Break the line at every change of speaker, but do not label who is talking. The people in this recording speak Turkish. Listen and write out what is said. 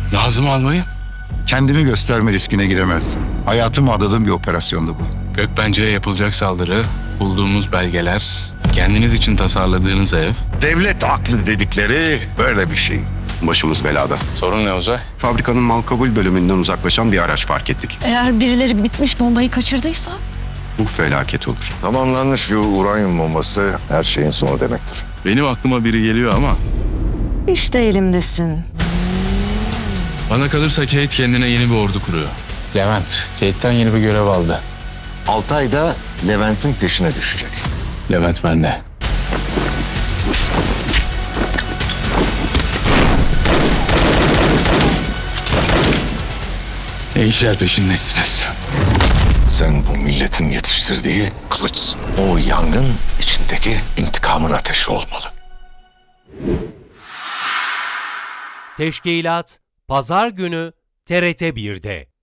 Nazım albayım.
Kendimi gösterme riskine giremezdim. Hayatımı adadığım bir operasyondu bu.
Gökbence'ye yapılacak saldırı, bulduğumuz belgeler, kendiniz için tasarladığınız ev.
Devlet aklı dedikleri böyle bir şey.
Başımız belada.
Sorun ne Uzay?
Fabrikanın mal kabul bölümünden uzaklaşan bir araç fark ettik.
Eğer birileri bitmiş bombayı kaçırdıysa?
Bu felaket olur.
Tamamlanmış bir uranyum bombası her şeyin sonu demektir.
Benim aklıma biri geliyor ama
İşte elimdesin.
bana kalırsa Kate kendine yeni bir ordu kuruyor. Levent, Kate'ten yeni bir görev aldı.
Altay da Levent'in peşine düşecek.
Levent bende. Ne işler peşindesiniz?
Sen bu milletin yetiştirdiği kılıçsın. O yangın içindeki intikamın ateşi olmalı.
Teşkilat Pazar günü TRT 1'de.